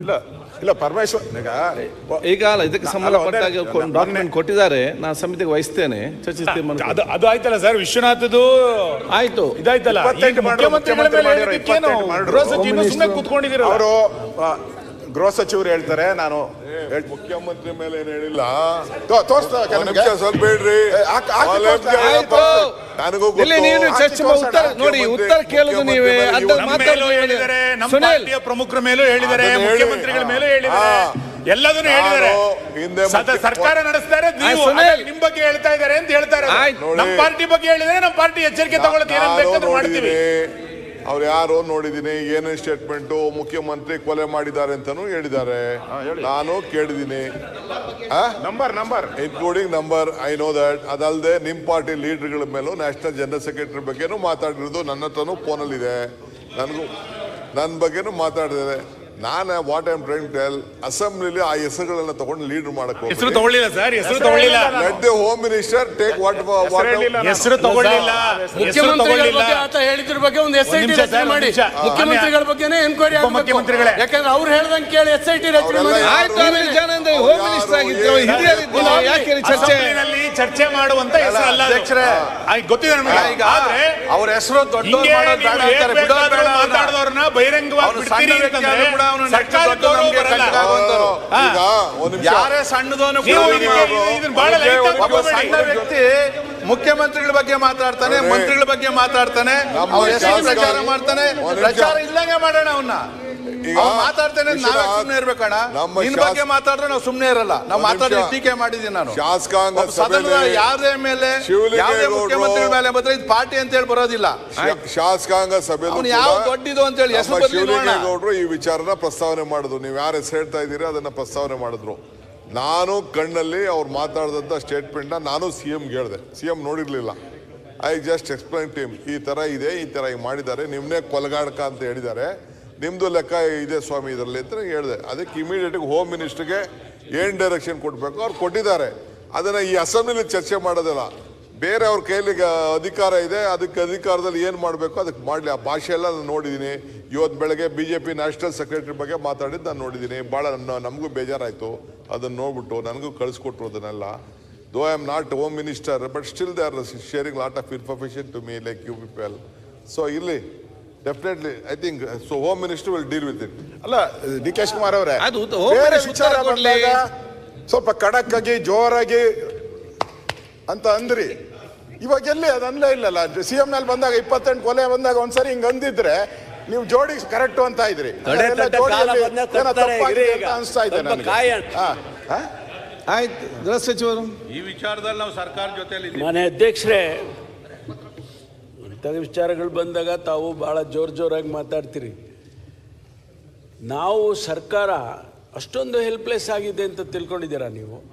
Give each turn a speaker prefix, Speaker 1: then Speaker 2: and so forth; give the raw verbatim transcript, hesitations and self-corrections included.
Speaker 1: ಇಲ್ಲ ಇಲ್ಲ ಪರಮೇಶ್ವರ್
Speaker 2: ಈಗ ಇದಕ್ಕೆ ಸಂಬಂಧಪಟ್ಟಾಗ ಡಾಕ್ಯುಮೆಂಟ್ ಕೊಟ್ಟಿದ್ದಾರೆ, ನಾನು ಸಮಿತಿಗೆ ವಹಿಸ್ತೇನೆ, ಚರ್ಚಿಸ್ತೇನೆ.
Speaker 3: ಅದು ಅದು ಆಯ್ತಲ್ಲ ಸರ್, ವಿಶ್ವನಾಥದ್ದು
Speaker 2: ಆಯ್ತು,
Speaker 3: ಇದಾಯ್ತಲ್ಲ. ಕೂತ್ಕೊಂಡಿದ್ದೀರ
Speaker 1: ಅವರು ಗೃಹ ಸಚಿವರು ಹೇಳ್ತಾರೆ, ನಾನು
Speaker 4: ಮುಖ್ಯಮಂತ್ರಿ ಮೇಲೆ ಏನ್ ಹೇಳಿಲ್ಲ.
Speaker 1: ಸ್ವಲ್ಪ
Speaker 4: ಬೇಡ್ರಿ,
Speaker 2: ಚರ್ಚೆ ಉತ್ತರ ನೋಡಿ, ಉತ್ತರ ಕೇಳುದು ನೀವೇ.
Speaker 3: ಪಾರ್ಟಿಯ ಪ್ರಮುಖರ ಮೇಲೂ ಹೇಳಿದ್ದಾರೆ, ಮುಖ್ಯಮಂತ್ರಿಗಳ ಮೇಲೂ ಹೇಳಿದ್ದಾರೆ, ಎಲ್ಲದನ್ನು ಹೇಳಿದ್ದಾರೆ. ಸರ್ಕಾರ ನಡೆಸ್ತಾರೆ, ನೀವು ನಿಮ್ ಬಗ್ಗೆ ಹೇಳ್ತಾ ಇದ್ದಾರೆ ಅಂತ ಹೇಳ್ತಾರೆ. ನಮ್ಮ ಪಾರ್ಟಿ ಬಗ್ಗೆ ಹೇಳಿದ್ರೆ ನಮ್ಮ ಪಾರ್ಟಿ ಎಚ್ಚರಿಕೆ ತಗೊಳ್ಳೋದು ಏನೇನು ಬೇಕಾದ್ರೂ ಮಾಡ್ತೀವಿ.
Speaker 4: ಅವ್ರು ಯಾರು ನೋಡಿದೀನಿ, ಏನೇನು ಸ್ಟೇಟ್ಮೆಂಟು ಮುಖ್ಯಮಂತ್ರಿ ಕೊಲೆ ಮಾಡಿದ್ದಾರೆ ಅಂತಾನು ಹೇಳಿದ್ದಾರೆ, ನಾನು ಕೇಳಿದೀನಿ.
Speaker 1: Number number
Speaker 4: including number, I know that. ಅದಲ್ಲದೆ ನಿಮ್ ಪಾರ್ಟಿ ಲೀಡರ್ಗಳ ಮೇಲೂ ನ್ಯಾಷನಲ್ ಜನರಲ್ ಸೆಕ್ರೆಟರಿ ಬಗ್ಗೆನೂ ಮಾತಾಡಿರೋದು ನನ್ನ ಹತ್ರನೂ ಫೋನಲ್ಲಿ ಇದೆ. ನನಗೂ ನನ್ನ ಬಗ್ಗೆನೂ ಮಾತಾಡಿದ್ದಾರೆ. ನಾನು what I am trying to tell, ಅಸೆಂಬ್ಲಿಲಿ ಆ ಹೆಸರುಗಳನ್ನ ತಗೊಂಡು ಲೀಡರ್ ಮಾಡಕ್ಕೆ
Speaker 3: ಹೆಸರು ತಗೊಳ್ಳಿಲ್ಲ ಸರ್, ಹೆಸರು ತಗೊಳ್ಳಿಲ್ಲ.
Speaker 4: Let the home minister take what
Speaker 3: ಹೆಸರು ತಗೊಳ್ಳಿಲ್ಲ.
Speaker 5: ಮುಖ್ಯಮಂತ್ರಿಗಳ ಬಗ್ಗೆ ಆತ ಹೇಳಿದ್ರ ಬಗ್ಗೆ ಒಂದು ಎಸ್ ಐ ಟಿ ರಚನೆ ಮಾಡಿ, ಮುಖ್ಯಮಂತ್ರಿಗಳ ಬಗ್ಗೆನೇ ಎನ್ಕ್ವೈರಿ ಆಗಬೇಕು.
Speaker 3: ಮುಖ್ಯಮಂತ್ರಿಗಳೇ,
Speaker 5: ಯಾಕಂದ್ರೆ ಅವ್ರು ಹೇಳ್ದಂಗೆ ಕೇಳಿ ಎಸ್ ಐ ಟಿ ರಚನೆ ಮಾಡಿ.
Speaker 2: ಹೋಮ್ ಮಿನಿಸ್ಟರ್ ಆಗಿದ್ರು, ಹಿರಿಯರಿದ್ರು, ಯಾಕೆ ಚರ್ಚೆ
Speaker 3: ಚರ್ಚೆ ಮಾಡುವಂತ ಹೆಸರು ಅಲ್ಲ ಅಧ್ಯಕ್ಷರೇ, ಗೊತ್ತಿದೆ ನಮಗೆ. ಆದ್ರೆ
Speaker 5: ಅವ್ರ ಹೆಸರು ದೊಡ್ಡ
Speaker 3: ಮಾತಾಡಿದವ್ರನ್ನ ಬಹಿರಂಗವಾಗಿ ಬಿಡ್ತೀರಿ ಅಂತಂದ್ರೆ
Speaker 5: ಯಾರೇ ಸಣ್ಣದವನು ಸಣ್ಣ ವ್ಯಕ್ತಿ ಮುಖ್ಯಮಂತ್ರಿಗಳ ಬಗ್ಗೆ ಮಾತಾಡ್ತಾನೆ, ಮಂತ್ರಿಗಳ ಬಗ್ಗೆ ಮಾತಾಡ್ತಾನೆ, ಪ್ರಚಾರ ಮಾಡ್ತಾನೆ. ಪ್ರಚಾರ ಇಲ್ಲಂಗೆ ಮಾಡೋಣ ಅವನ್ನ. ಮಾತಾಡ್ತೇನೆ, ನಾವೇ ಸುಮ್ಮನೆ ಇರ್ಬೇಕಣ್ಣ. ನಿನ್ ಬಗ್ಗೆ ಮಾತಾಡ್ರೆ ನಾವು ಸುಮ್ಮನೆ ಇರಲ್ಲ. ನಾವು ಮಾತಾಡಿ ಟೀಕೆ ಮಾಡಿದ್ದೀನಿ ನಾನು.
Speaker 4: ಶಾಸಕಾಂಗ
Speaker 5: ಸದನದ ಯಾರೇ ಮೇಲೆ ಯಾವುದೇ ಮುಖ್ಯಮಂತ್ರಿಗಳ ಮೇಲೆ ಬಂದ್ರೆ ಇದು ಪಾರ್ಟಿ ಅಂತ ಹೇಳಿ ಬರೋದಿಲ್ಲ.
Speaker 4: ಶಾಸಕಾಂಗ ಸಭೆ
Speaker 5: ಯಾವ ದೊಡ್ಡದು ಅಂತ ಹೇಳಿ ಹೆಸರು
Speaker 4: ಶಿವಲಿಂಗೇಗೌಡರು ಈ ವಿಚಾರನ ಪ್ರಸ್ತಾವನೆ ಮಾಡಿದ್ರು. ನೀವು ಯಾರು ಹೆಸರು ಹೇಳ್ತಾ ಇದ್ದೀರಿ ಅದನ್ನ ಪ್ರಸ್ತಾವನೆ ಮಾಡಿದ್ರು. ನಾನು ಕಣ್ಣಲ್ಲಿ ಅವ್ರು ಮಾತಾಡಿದಂಥ ಸ್ಟೇಟ್ಮೆಂಟ್ನ ನಾನು ಸಿ ಎಂಗೆ ಹೇಳಿದೆ. ಸಿ ಎಂ ನೋಡಿರ್ಲಿಲ್ಲ. ಐ ಜಸ್ಟ್ ಎಕ್ಸ್ಪ್ಲೈನ್ ಟೀಮ್, ಈ ತರ ಇದೆ, ಈ ತರ ಹಿಂಗೆ ಮಾಡಿದ್ದಾರೆ, ನಿಮ್ನೆ ಕೊಲಗಾಡಕ ಅಂತ ಹೇಳಿದ್ದಾರೆ, ನಿಮ್ದು ಲೆಕ್ಕ ಇದೆ ಸ್ವಾಮಿ ಇದರಲ್ಲಿ ಅಂತ ಹೇಳಿದೆ. ಅದಕ್ಕೆ ಇಮಿಡಿಯೇಟಾಗಿ ಹೋಮ್ ಮಿನಿಸ್ಟರ್ಗೆ ಏನು ಡೈರೆಕ್ಷನ್ ಕೊಡಬೇಕು ಅವ್ರು ಕೊಟ್ಟಿದ್ದಾರೆ. ಅದನ್ನು ಈ ಅಸೆಂಬ್ಲಿಲಿ ಚರ್ಚೆ ಮಾಡೋದಿಲ್ಲ. ಬೇರೆ ಅವ್ರ ಕೈಲಿ ಅಧಿಕಾರ ಇದೆ, ಅದಕ್ಕೆ ಅಧಿಕಾರದಲ್ಲಿ ಏನು ಮಾಡಬೇಕು ಅದಕ್ಕೆ ಮಾಡಲಿ. ಆ ಭಾಷೆ ಎಲ್ಲ ನಾನು ನೋಡಿದ್ದೀನಿ. ಇವತ್ತು ಬೆಳಗ್ಗೆ B J P national secretary ಬಗ್ಗೆ ಮಾತಾಡಿದ್ದು ನಾನು ನೋಡಿದ್ದೀನಿ. ಭಾಳ ನಮಗೂ ಬೇಜಾರಾಯಿತು ಅದನ್ನು ನೋಡ್ಬಿಟ್ಟು. ನನಗೂ ಕಳಿಸ್ಕೊಟ್ರು ಅದನ್ನೆಲ್ಲ. Though I am not home minister, but still they are sharing lot of information to me like you people. So ಇಲ್ಲಿ definitely I think so home minister will deal with it.
Speaker 1: ಅಲ್ಲ ಡಿ ಕೆ ಶಿವಕುಮಾರ್ ಅವರೇ, ವಿಚಾರ ಬಂದಾಗ ಸ್ವಲ್ಪ ಖಡಕ್ ಆಗಿ ಜೋರಾಗಿ ಅಂತ ಅಂದ್ರಿ. ಇವಾಗ ಎಲ್ಲಿ ಅದು ಅನ್ಲೇ ಇಲ್ಲಲ್ಲ. ಸಿ ಎಂ ನಲ್ಲಿ ಬಂದಾಗ ಇಪ್ಪತ್ತೆಂಟು ಕೊಲೆ ಬಂದಾಗ ಒಂದ್ಸರಿ ಹಿಂಗ್ ಅಂದಿದ್ರೆ ನೀವು ಜೋಡಿ ಕರೆಕ್ಟ್ ಅಂತ ಇದ್ರಿ. ಅನಿಸ್ತಾ ಇದೆ ನನಗೆ.
Speaker 2: ಆಯ್ತು, ಗೃಹ ಸಚಿವರು
Speaker 5: ಈ ವಿಚಾರದಲ್ಲಿ ನಾವು ಸರ್ಕಾರ ಜೊತೆಲಿ
Speaker 6: ಮಾನ್ಯ ಅಧ್ಯಕ್ಷರೇ, ಇಂಥ ವಿಚಾರಗಳು ಬಂದಾಗ ತಾವು ಭಾಳ ಜೋರು ಜೋರಾಗಿ ಮಾತಾಡ್ತೀರಿ. ನಾವು ಸರ್ಕಾರ ಅಷ್ಟೊಂದು ಹೆಲ್ಪ್ಲೆಸ್ ಆಗಿದೆ ಅಂತ ತಿಳ್ಕೊಂಡಿದ್ದೀರಾ ನೀವು?